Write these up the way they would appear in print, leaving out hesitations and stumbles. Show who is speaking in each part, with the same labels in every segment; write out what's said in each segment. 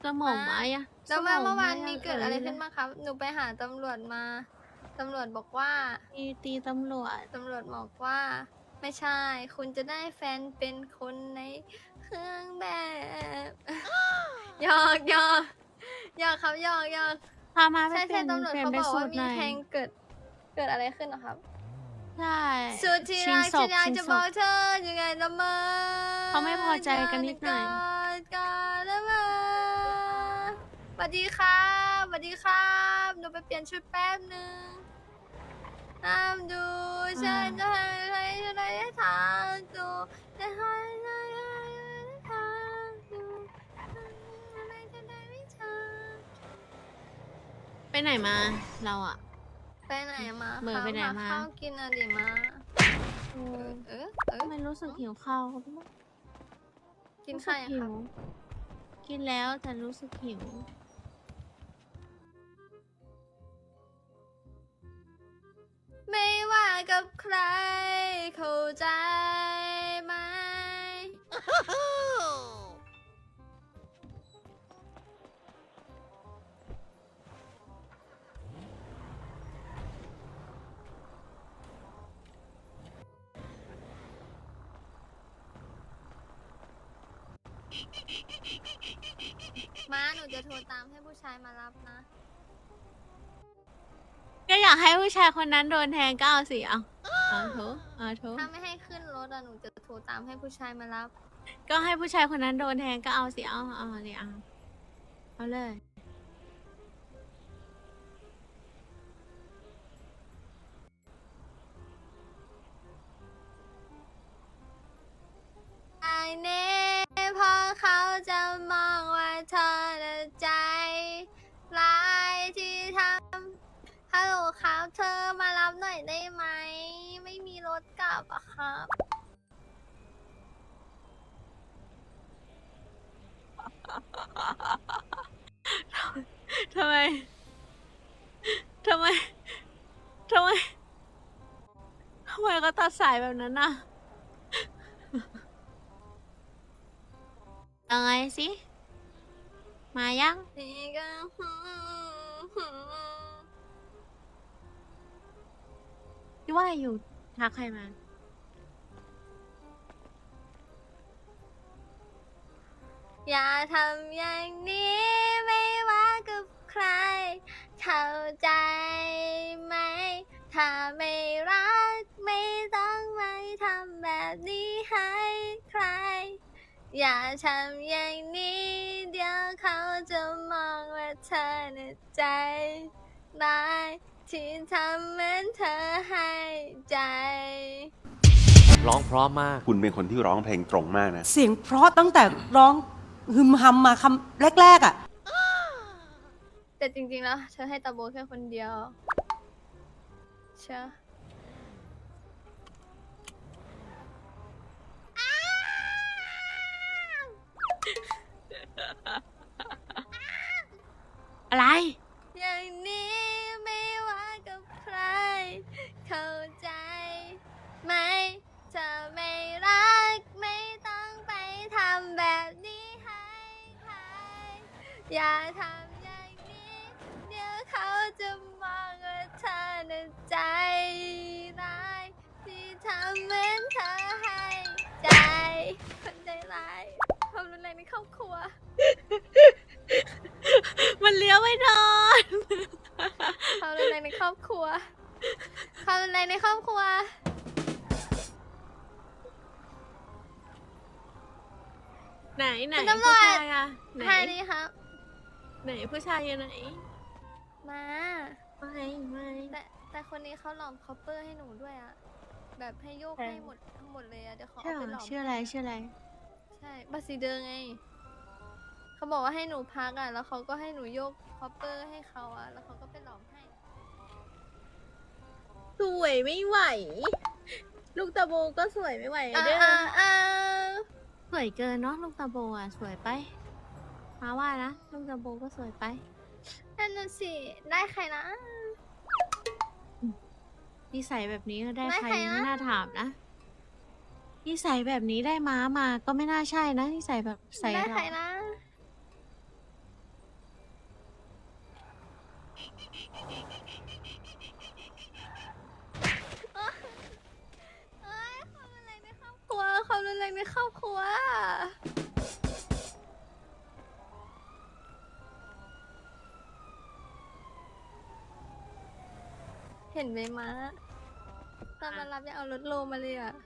Speaker 1: มองไม้อะ
Speaker 2: แล้วเมื่อวานนี้เกิดอะไรขึ้น
Speaker 1: มา
Speaker 2: บ้างครับ หนูไปหาตำรวจมา ตำรวจบอกว่า
Speaker 1: ตีตำรวจ
Speaker 2: ตำรวจบอกว่า ไม่ใช่ คุณจะได้แฟนเป็นคนในเครื่องแบบ หยอกหยอกหยอกครับหยอกหยอก
Speaker 1: พามาไป
Speaker 2: ใช่
Speaker 1: เปลี่ยน
Speaker 2: ตำรวจ
Speaker 1: เปลี่ยน
Speaker 2: เขา
Speaker 1: ไป
Speaker 2: บอก
Speaker 1: สู
Speaker 2: ว่า
Speaker 1: ตร
Speaker 2: มี
Speaker 1: หน่อย
Speaker 2: แทงเกิดอะไรขึ้นเหรอครับ
Speaker 1: ใช่
Speaker 2: สุดที่
Speaker 1: ชิง
Speaker 2: รัก
Speaker 1: ศ
Speaker 2: ฉั
Speaker 1: พ
Speaker 2: นอยาก
Speaker 1: ชิง
Speaker 2: จะ
Speaker 1: ศ
Speaker 2: บอก
Speaker 1: พ
Speaker 2: เธอยังไงละเมอ
Speaker 1: เขาไม่พอใจกันนิดหน่อย
Speaker 2: กอดละเมอสวัสดีครับสวัสดีครับหนูไปเปลี่ยนชุดแป๊บนึงห้ามดูฉันจะให้ฉันได้ทางดูจะให้ฉันได้ทางดูอะไรจะได้ไม่ทาง
Speaker 1: ไปไหนมา เราอะ
Speaker 2: ไปไหนมา
Speaker 1: เหม่อ
Speaker 2: ครับ
Speaker 1: ไปไหน
Speaker 2: หา
Speaker 1: มา
Speaker 2: ข้าวกินอะดิมา
Speaker 1: ทำไมรู้สึกหิวข้าวก็ไม่รู้
Speaker 2: กิน
Speaker 1: รู้สึ
Speaker 2: ข้าก วยัง
Speaker 1: หิ
Speaker 2: ครับ
Speaker 1: ว กินแล้วแต่รู้สึกหิว
Speaker 2: ไม่ว่ากับใครเข้าใจไหม มาหนูจะโทรตามให้ผู้ชายมารับนะ
Speaker 1: ก็อยากให้ผู้ชายคนนั้นโดนแทงก็เอาสิ เอาโถ
Speaker 2: ถ้าไม่ให้ขึ้นรถอะหนูจะโทรตามให้ผู้ชายมารับ
Speaker 1: ก็ให้ผู้ชายคนนั้นโดนแทงก็เอาสิ เอาเลยเอาเลย
Speaker 2: ไอเน่พอเขาจะมองว่าเธอน่ะใจร้ายที่ทำฮัลโหลครับเธอมารับหน่อยได้ไหม ไม่มีรถกลับอะครับ
Speaker 1: ทำไม ทำไมก็ตัดสายแบบนั้นน่ะ ยังไงสิ มายัง
Speaker 2: นี่ก็
Speaker 1: ที่ว่าอยู่ทักใครมา
Speaker 2: อย่าทำอย่างนี้ไม่ว่ากับใคร เข้าใจไหม ถ้าไม่รักไม่ต้องมาทำแบบนี้ให้ใคร อย่าทำอย่างนี้เดี๋ยวเขาจะมองว่าเธอน่ะใจร้ายที่ทำเหมือนเธอให้ใจ
Speaker 3: ร้องเพราะมาก
Speaker 4: คุณเป็นคนที่ร้องเพลงตรงมากนะ
Speaker 5: เสียงเพราะตั้งแต่ร้องฮึมฮัมมาคำแรกๆอ่ะ
Speaker 2: แต่จริงๆแล้วเธอให้ตาโบแค่คนเดียวเชื่อ
Speaker 1: อะไร
Speaker 2: อย่างนี้ไม่ว่ากับใคร เข้าใจไหมเธอไม่รักไม่ต้องไปทำแบบนี้ให้ใคร อย่าทำอย่างนี้เดี๋ยวเขาจะมองว่าเธอน่ะใจร้ายที่ทำเหมือนเธอให้ใจ คนใจร้ายความรุนแรงในครอบครัว
Speaker 1: มันเลี้ยวไม่นอน
Speaker 2: ความรุนแรงในครอบครัว ความรุนแรงในครอบครัว
Speaker 1: ไหน
Speaker 2: คุณตำร
Speaker 1: ผู้
Speaker 2: วจ
Speaker 1: ชายอะไหน
Speaker 2: แค่นี้ครับ
Speaker 1: ไหนผู้ชายอยู่ไหน
Speaker 2: มา
Speaker 1: ไม่
Speaker 2: แต่คนนี้เขาหลอมคอปเปอร์ให้หนูด้วยอะแบบให้โยก
Speaker 1: ใช่
Speaker 2: ให้หมดทั้งหมดเลยอะเดี๋ยวเขา
Speaker 1: ใช่
Speaker 2: เอา
Speaker 1: เหร
Speaker 2: ไปหล
Speaker 1: อ
Speaker 2: อม
Speaker 1: ชื่ออะไร
Speaker 2: ใช่บาซิเดอร์ไง เขาบอกว่าให้หนูพักอะแล้วเขาก็ให้หนูโยกคอปเปอร์ให้เขาอะแล้วเขาก็ไปหลอมให้
Speaker 1: สวยไม่ไหว ลูกตาโบก็สวยไม่ไหว
Speaker 2: อ่า
Speaker 1: เด้อ
Speaker 2: อ่า
Speaker 1: สวยเกินเนาะลูกตาโบอ่ะสวยไปมาว่านะลูกตาโบก็สวยไป
Speaker 2: นั่นน่ะสิได้ใครนะ
Speaker 1: นิสัยแบบนี้ก็ได้
Speaker 2: ได้
Speaker 1: ใคร
Speaker 2: ใครนะ
Speaker 1: ไม่น่าถามนะนิสัยแบบนี้ได้ม้ามาก็ไม่น่าใช่นะนิสัยแบบใส่
Speaker 2: ได้
Speaker 1: เรา
Speaker 2: ใครนะลัวเห็นไหมม้าตอนมารับยังเอารถโลมาเลยอ่ะ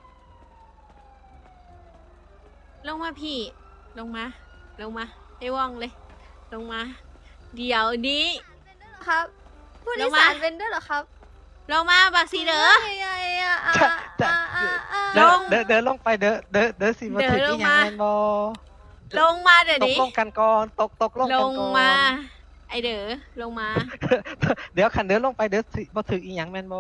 Speaker 1: ลงมาพี่ ลงมา ลงมาให้ว่องเลย ลงมา เดี๋ยวนี้
Speaker 2: ครับผู้โดยสารเป็นด้วยเหรอครับ
Speaker 1: ลงมาบักสีเด้อ
Speaker 2: ไงอ่ะ
Speaker 1: ลง
Speaker 6: เดินลงไปเด้อสิมาถึง
Speaker 1: เดินล
Speaker 6: อี
Speaker 1: ง
Speaker 6: หยัง
Speaker 1: มา
Speaker 6: แม่นบ่
Speaker 1: ลงมาเดี๋ยว
Speaker 6: ตก
Speaker 1: นี้
Speaker 6: ลงกันก่อนตกลง
Speaker 1: ล
Speaker 6: กัน
Speaker 1: ง
Speaker 6: ก่อน
Speaker 1: มา ไอเด้อลงมา
Speaker 6: เดี๋ยวขันเดินลงไปเด้อสิมาถึงอีหยังแม่นบ่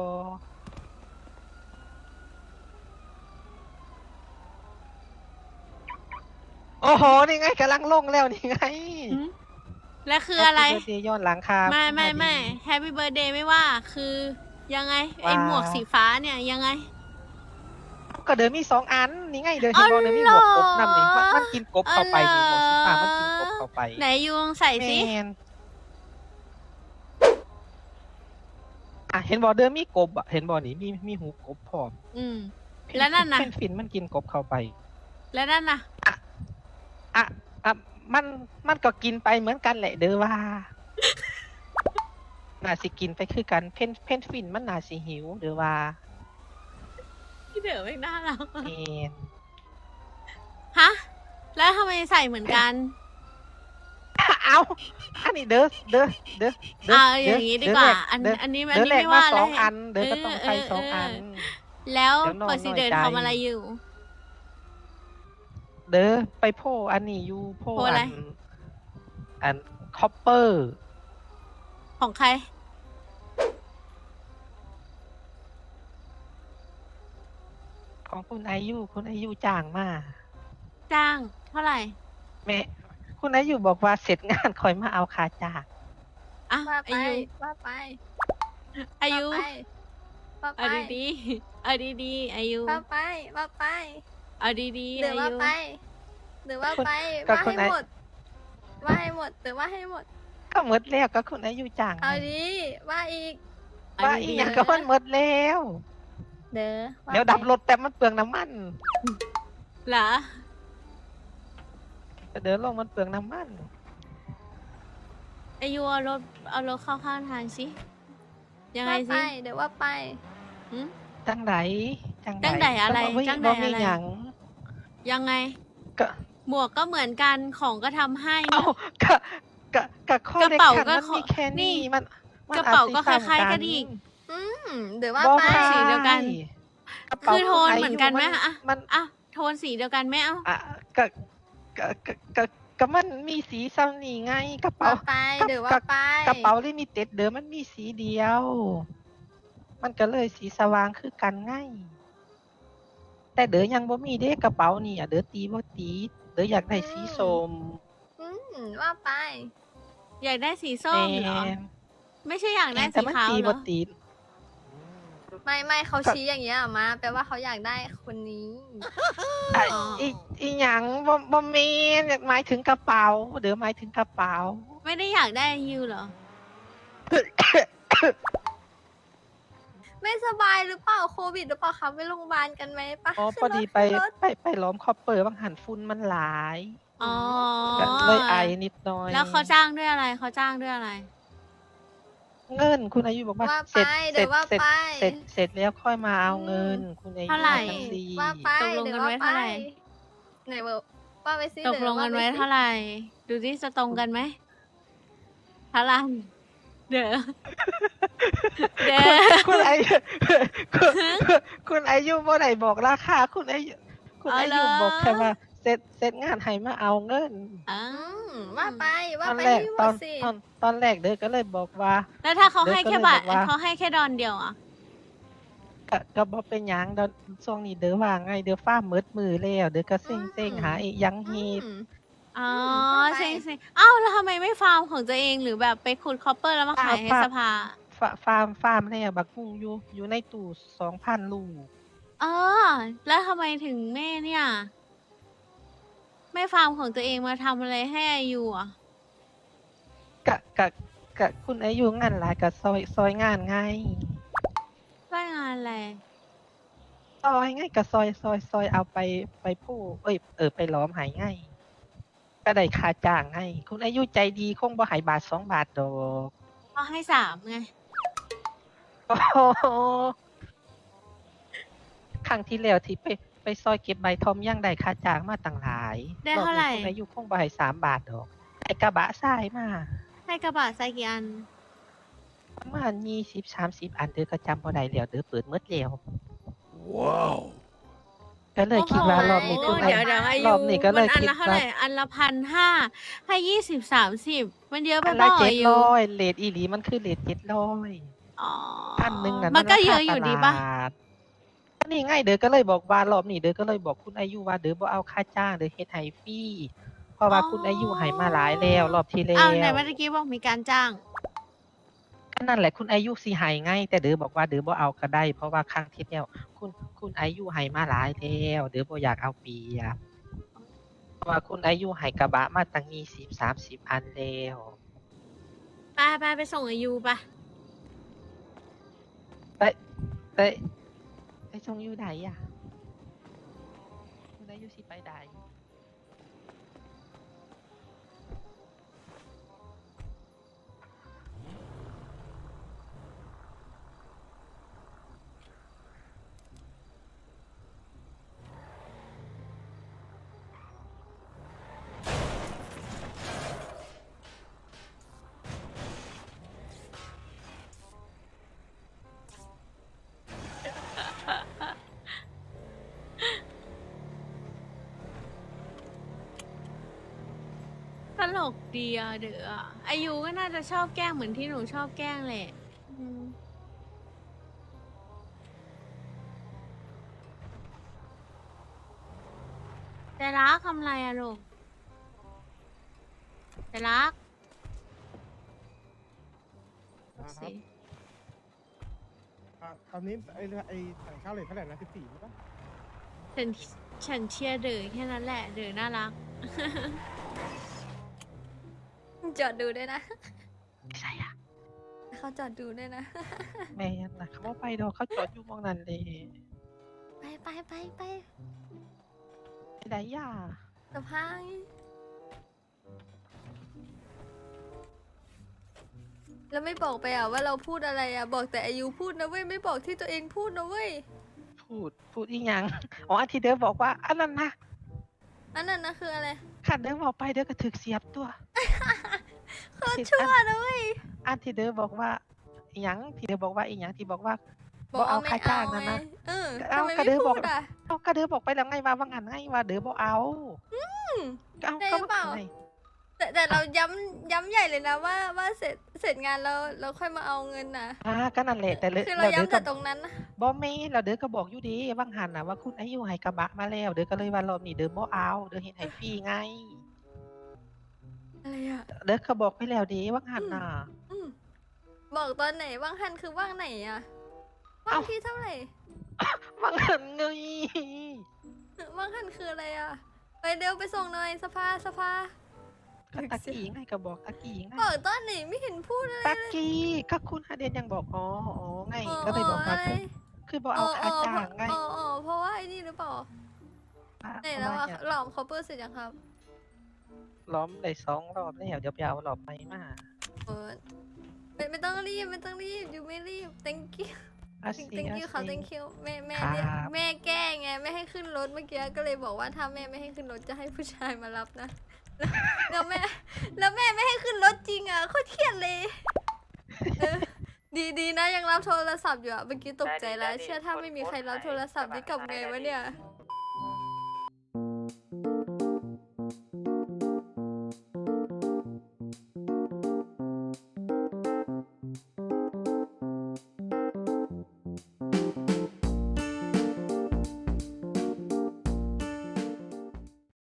Speaker 6: โอ้โหนี่ไงกำลังลงแล้วนี่ไง
Speaker 1: และคืออะไร
Speaker 6: Happy birthday ย้อนหลังครับ
Speaker 1: ไม่แฮปปี้เบิร์ดเดย์ไม่ว่า คือยังไง ไอหมวกสีฟ้าเนี่ยยังไง
Speaker 6: ก็เดินมี2 อันนี่ไงเดินเห็นบ่เดินมีหมวกกบนำนี่มันกินกบเข้าไปนี่หมวกสีฟ้ามันกินกบเข้าไป
Speaker 1: ไหนยูลองใส่สิ
Speaker 6: แม่นเห็นบ่เดินมีกบอ่ะเห็นบ่นี่มีหูกบพร้อม
Speaker 1: อืม แล้วนั่นน่ะ
Speaker 6: เพนฟินมันกินกบเข้าไป
Speaker 1: แล้วนั่นน่ะ
Speaker 6: อ่ะมันก็กินไปเหมือนกันแหละเด้อว่า น่าสิกินไปคือกันเพนฟินมันน่าสิหิวเด้อว่า
Speaker 1: พี่เด๋อไม่น่าเรา
Speaker 6: เอ็น
Speaker 1: ฮะ แล้วทำไมใส่เหมือนกัน
Speaker 6: เอาอันนี้เด้อ
Speaker 1: เอาอย่างนี้ดีกว่า อัน
Speaker 6: เด้
Speaker 1: อันนี้
Speaker 6: เด้อแรก
Speaker 1: ไม่
Speaker 6: มา
Speaker 1: ว่า
Speaker 6: สอง
Speaker 1: เลย
Speaker 6: อันเด้อก็ต้องใช้สองอัน
Speaker 1: แล้ว
Speaker 6: เดี๋ยวน้อง
Speaker 1: เปิดสีเดิน
Speaker 6: น้อยใจ
Speaker 1: ทำอะไรอยู่
Speaker 6: เด้อไปโพอันนี้อยู่โพ
Speaker 1: โพอะไร
Speaker 6: อันคอปเปอร์
Speaker 1: ของใคร
Speaker 6: ของคุณอายุจ้างมา
Speaker 1: จ้าง เท่าไหร่
Speaker 6: แม่คุณอายุบอกว่าเสร็จงานคอยมาเอาค่าจ้าง
Speaker 1: อ่ะ
Speaker 2: ว่า
Speaker 1: อา
Speaker 2: ไป
Speaker 1: ยุ
Speaker 2: ว่าไป
Speaker 1: อายุ
Speaker 2: ว่าไป
Speaker 1: เอาดีๆเอาดีๆอายุ
Speaker 2: ว่าไปว่าไป
Speaker 1: เอาดีๆ
Speaker 2: หรือ
Speaker 1: อา
Speaker 2: ว่า
Speaker 1: ยุ
Speaker 2: ไปหรือว่าไป
Speaker 6: ก็
Speaker 2: ว่า
Speaker 6: คุ
Speaker 2: ให้
Speaker 6: ณ
Speaker 2: หมดว่าให้หมดหรือว่าให้หมด
Speaker 6: ก็หมดแล้วก็คุณอายุจ้าง
Speaker 2: เอาดีว่าอีก
Speaker 6: ว่าอีกอย่างก็มันหมดแล้ว
Speaker 2: เด้อ
Speaker 6: เดี๋ยวดับรถแต่มันเปลืองน้ำมัน
Speaker 1: เหรอ
Speaker 6: เดินลงมันเปลืองน้ำมัน
Speaker 1: อายุเอารถเข้าข้างทางสิยังไง
Speaker 2: ว่าไป
Speaker 1: สิ
Speaker 2: เดี๋ยวว่าไป
Speaker 1: หืม
Speaker 6: จังไหน
Speaker 1: จังใดอะไร
Speaker 6: ก็บ่
Speaker 1: จังใด
Speaker 6: บ่มี
Speaker 1: อะไร
Speaker 6: หยัง
Speaker 1: ยังไง
Speaker 6: ก็
Speaker 1: หมวกก็เหมือนกันของก็ทำให้
Speaker 6: เอ้าก็ข้อก
Speaker 1: ระเป๋า
Speaker 6: ด็ดขัด
Speaker 1: ก็
Speaker 6: มันมีแค่
Speaker 1: นี่
Speaker 6: นี้มัน
Speaker 1: กระเป๋าก็
Speaker 6: อจสิ
Speaker 1: คล้ายๆ
Speaker 6: ซ้ำ
Speaker 1: กันอีก
Speaker 2: เดี๋ยวว่า
Speaker 6: บ่
Speaker 2: ไป
Speaker 6: คล้า
Speaker 1: สีเดียวกัน
Speaker 6: กระเป๋า
Speaker 1: คือโทนเหมือนกันไหม
Speaker 6: ขง
Speaker 1: อะ
Speaker 6: มัน
Speaker 1: อ่ะโทนสีเดียวกันไหมเอ้า
Speaker 6: อ่ะก็มันมีสีซ้ำนี่ไงกระเป๋า
Speaker 2: ว่าไปเดี๋ยวว่าไป
Speaker 6: กระเป๋าลิมิเต็ดเดิมมันมีสีเดียว มันก็เลยสีสว่างคือกันไงแต่เด๋อยังบ่มีเด้กระเป๋านี่อ่ะเด๋อตีบ่ตีเด๋ออยากได้สีส้ม
Speaker 2: ว่าไป
Speaker 1: อยากได้สีส้มเหรอ
Speaker 6: แม่น
Speaker 1: ไม่ใช่อยากได้
Speaker 6: แต่
Speaker 1: สี
Speaker 6: มัน
Speaker 1: ขาว
Speaker 6: ตี
Speaker 1: เหร
Speaker 6: บ่
Speaker 1: อ
Speaker 6: ตี
Speaker 2: ไม่เขาชี้อย่างเงี้ยมาแปลว่าเขาอยากได้คนนี้
Speaker 6: อ่ะอีหยังบ่แม่นหมายถึงกระเป๋าเด๋อหมายถึงกระเป๋า
Speaker 1: ไม่ได้อยากได้ยูเหรอ
Speaker 2: ไม่สบายหรือเปล่าโควิดหรือเปล่าคะไปโรงพยาบาลกันไหมปะ
Speaker 6: อ๋อ
Speaker 2: ขึ้น
Speaker 6: พอดี
Speaker 2: รถ
Speaker 6: ไป
Speaker 2: ขึ้นรถ
Speaker 6: ไปล้อมคอปเปอร์บางหันฝุ่นมันหลาย
Speaker 1: อ๋อ
Speaker 6: ก็เลยไอนิดหน่อย
Speaker 1: แล้วเขาจ้างด้วยอะไรเขาจ้างด้วยอะไร
Speaker 6: เงินคุณอายุบอกว่า
Speaker 2: ว่า
Speaker 6: เสร็จ
Speaker 2: ไป
Speaker 6: เสร็
Speaker 2: เดี๋ย
Speaker 6: จ
Speaker 2: วว่า
Speaker 6: เสร็จ
Speaker 2: ไป
Speaker 6: เสร็จแล้วค่อยมาเอาเงิน คุณอายุ
Speaker 1: เท่าไหร่
Speaker 6: จังซี่
Speaker 2: ว่าไป
Speaker 1: ตกลงกันไว้
Speaker 2: ดี๋ย
Speaker 1: เท่าไหร่
Speaker 2: ไหนบอกว่าไปซิ
Speaker 1: ตกลงกันไว้
Speaker 2: ดี๋ยว
Speaker 1: เท่าไหร่ ดูที่จะตรงกันไหมเท่าไหร่เด้อเด้อ
Speaker 6: คุณอายุคุณอายุบ่ได้บอกราคาคุณอายุบอกแค่ว่าเสร็จงานให้มาเอาเงิน
Speaker 1: อ่า
Speaker 2: ว่าไป
Speaker 6: ต
Speaker 2: ว่า
Speaker 6: อน
Speaker 2: ไป
Speaker 6: แรก
Speaker 2: ที่หม
Speaker 6: ตอ
Speaker 2: ด
Speaker 6: น
Speaker 2: สิ
Speaker 6: ตอนแรกเด้อก็เลยบอกว่า
Speaker 1: แล้วถ้าเขาให้แค่บาท
Speaker 6: เดี๋ยวก็เลยบอกว่า
Speaker 1: เขาให้แค่ดอนเดียวอ่ะ
Speaker 6: ก็บ่เป็นหยังเดี๋ยวช่วงนี้เด้อว่าไงเด้อฟ้ามืดมือแล้วเด้อก็เซ็งหาอีหยังเฮ็ด
Speaker 1: อ๋อ
Speaker 2: ว่าไป
Speaker 1: เซ็งๆเอ้าแล้วทำไมไม่ฟาร์มของตัวเองหรือแบบไปขุดคอปเปอร์แล้วมาขายให้สภา
Speaker 6: ฟาร์มแล้วบักกุ้งอยู่ในตู้ 2,000 ลูก
Speaker 1: เออ แล้วทำไมถึงแม่เนี่ย ไม่ฟาร์มของตัวเองมาทำอะไรให้อายุอ่ะ
Speaker 6: กะคุณอายุงานหลายกะซอยงานไง
Speaker 1: ว่างานอะไร
Speaker 6: ซอยง่ายกับซอยเอาไปผู้ไปล้อมหายง่ายก็ได้ค่าจ้างให้คุณอายุใจดีคงบ่ใหายบาท2 บาทดอก
Speaker 1: เขาให้3ไง
Speaker 6: โอ้โหครั้งที่แล้วที่ไปซอยเก็บใบทอมยังได้ค่าจ้างมาต่างหลาย
Speaker 1: ได้เท่าไหร่
Speaker 6: อบนี้คุณอายุคงบ่ใหาย3 บาทดอกไอ้กระบะทรายมา
Speaker 1: ให้กระบะใส่กี่อัน
Speaker 6: ประมาณ20-30 อันเด้อก็จำบ่ได้แล้วเด้อเปิดหมดแล้วก็เลยคิดว่ารอบนี้คุณ
Speaker 1: เดี๋ยวอา
Speaker 6: ร
Speaker 1: ยุ
Speaker 6: อบนี้ก็เลย
Speaker 1: มันอัน
Speaker 6: คิด
Speaker 1: ละเท่า
Speaker 6: ว่า
Speaker 1: ไหร่อันละ1,500ให้20-30มันเยอะไป
Speaker 6: อัน
Speaker 1: เป
Speaker 6: ละ
Speaker 1: ล่าอายุ
Speaker 6: 700เลทอีหลีมันคือเลท700
Speaker 1: อ๋อ
Speaker 6: 1,000นั่น
Speaker 1: มันก็
Speaker 6: รา
Speaker 1: เย
Speaker 6: คา
Speaker 1: อะอยู่
Speaker 6: ต
Speaker 1: ดี
Speaker 6: ลา
Speaker 1: ปะ
Speaker 6: ดก็นี่ไงเด้อก็เลยบอกว่ารอบนี้เด้อก็เลยบอกคุณอายุว่าเด้อบ่เอาค่าจ้างเด้อเฮ็ดให้ฟรีเพราะว่าคุณอายุให้มาหลายแล้วรอบที่แล้
Speaker 1: อ้าวไหน
Speaker 6: ว
Speaker 1: เมื่อกี้บอกมีการจ้าง
Speaker 6: ก็นั่นแหละคุณอายุสิให้ไงแต่เด้อบอกว่าเด้อบ่เอาก็ได้ เพราะว่าครั้งที่แล้วคุณอายุให้มาหลายแล้วเด้อบ่อยากเอาเปรียบเพราะว่าคุณอายุให้กระบะมาตั้ง20-30 อันแล้ว
Speaker 1: ไปส่งอายุปะ
Speaker 6: ไปส่งอยู่ใดอ่ะคุณอายุสิไปใด
Speaker 1: ตลกดีอะเด้ออายุก็น่าจะชอบแกล้งเหมือนที่หนูชอบแกล้งแหละอืมแต่รักทำไรอะลูกแต่รักสิ
Speaker 7: ตอนนี้ไอ้ต่างชาติเลทเท่าไหร่นะ14ใช่ปะ
Speaker 1: ฉันเชียร์เด๋อแค่นั้นแหละเด๋อน่ารัก
Speaker 2: จอดดูด้วยนะ
Speaker 6: ไม่ใช่อ่ะ
Speaker 2: เขาจอดดูด้วยนะ
Speaker 6: แม่นนะเขาบ่ไปดอกเขาจอดอยู่หมองนั้นเลย
Speaker 2: ไป
Speaker 6: ไปใดย่า
Speaker 2: สะพายแล้วไม่บอกไปอ่ะว่าเราพูดอะไรอ่ะ บอกแต่อายุพูดนะเว้ย ไม่บอกที่ตัวเองพูดนะเว้ย
Speaker 6: พูดอีหยัง อ๋ออันที่เด้อบอกว่าอันนั้นนะ
Speaker 2: อันนั้นนะคืออะไร
Speaker 6: ขันเด้อบอกไปเด้อก็ถึกเสียบตัว
Speaker 2: โคตรชั่วนะเว้ย
Speaker 6: อันที่เด้อบอกว่าอีหยังที่เด้อบอกว่าอีหยังที่บอกว่า
Speaker 2: บอก
Speaker 6: เอา
Speaker 2: ไม่
Speaker 6: ค่าจ้าง
Speaker 2: ไง
Speaker 6: นั่นนะ
Speaker 2: เออ
Speaker 6: เอา
Speaker 2: ทำไม
Speaker 6: ก็
Speaker 2: ไม่
Speaker 6: เด้อบอก
Speaker 2: พูดอ่ะ
Speaker 6: เอาก็เด้อบอกไปแล้วไงว่างั้นไงว่าเด้อบ่เอาก็เอา
Speaker 2: ได้
Speaker 6: ก็
Speaker 2: หรือเปล่า
Speaker 6: ไง
Speaker 2: แต่เราย้ำใหญ่เลยนะว่าเสร็จงานเราค่อยมาเอาเงินนะ
Speaker 6: ก็นั่นแหละแต่
Speaker 2: คือเรา
Speaker 6: แล้วเด้อ
Speaker 2: ย้ำ
Speaker 6: ก็
Speaker 2: แต่ตรงนั้นนะ
Speaker 6: บ่แม่นแล้วเด้อก็บอกอยู่ดีว่างหันน่ะว่าคุณอายุให้กระบะมาแล้ว เด้อก็เลยว่ารอบนี้เด้อบ่เอาเด้อเฮ็ดให้ฟรีไง
Speaker 2: อะไรอ่ะ
Speaker 6: เด้อก็บอกไปแล้วเด้ว่างหันน่ะ
Speaker 2: อืมบอกตอนไหนว่างหันคือว่างไหนอ่ะว่าง
Speaker 6: เอ้า
Speaker 2: ที่เท่าไหร่
Speaker 6: ว่างหันไง
Speaker 2: ว่างหันคืออะไรอ่ะ ไปเร็วไปส่งหน่อยสภา
Speaker 6: ก็ตะกี้ไงก็บอกตะกี้ไง
Speaker 2: บอกตอนไหนไม่เห็นพูดอะไร
Speaker 6: ตะกี้ก็คุณฮาเดนยังบอกอ๋อไงก็เลยบอกว่า
Speaker 2: อะไร
Speaker 6: คือบอกเอาค่าจ้างไง
Speaker 2: เพราะว่าไอ้นี่หรือเปล่าไหนแล้วอะหลอมคอปเปอร์เสร็จยังครับ
Speaker 6: ล้อมได้2 รอบแล้วเดี๋ยวไปเอารอบใหม่มา
Speaker 2: เออไม่ต้องรีบอยู่ไม่รีบ thank you
Speaker 6: อาซี
Speaker 2: thank you ค่ะ
Speaker 6: อาซี
Speaker 2: thank you แม่
Speaker 6: ครับ
Speaker 2: เรียกแม่แกล้งไงไม่ให้ขึ้นรถเมื่อกี้ก็เลยบอกว่าถ้าแม่ไม่ให้ขึ้นรถจะให้ผู้ชายมารับนะ แล้วแม่ไม่ให้ขึ้นรถจริงอ่ะโคตรเครียดเลยเออดีนะยังรับโทรศัพท์อยู่อ่ะเมื่อกี้ตกใจแล้วเชื่อถ้าไม่มีใครรับโทรศัพท์นี่กลับไงวะเนี่ย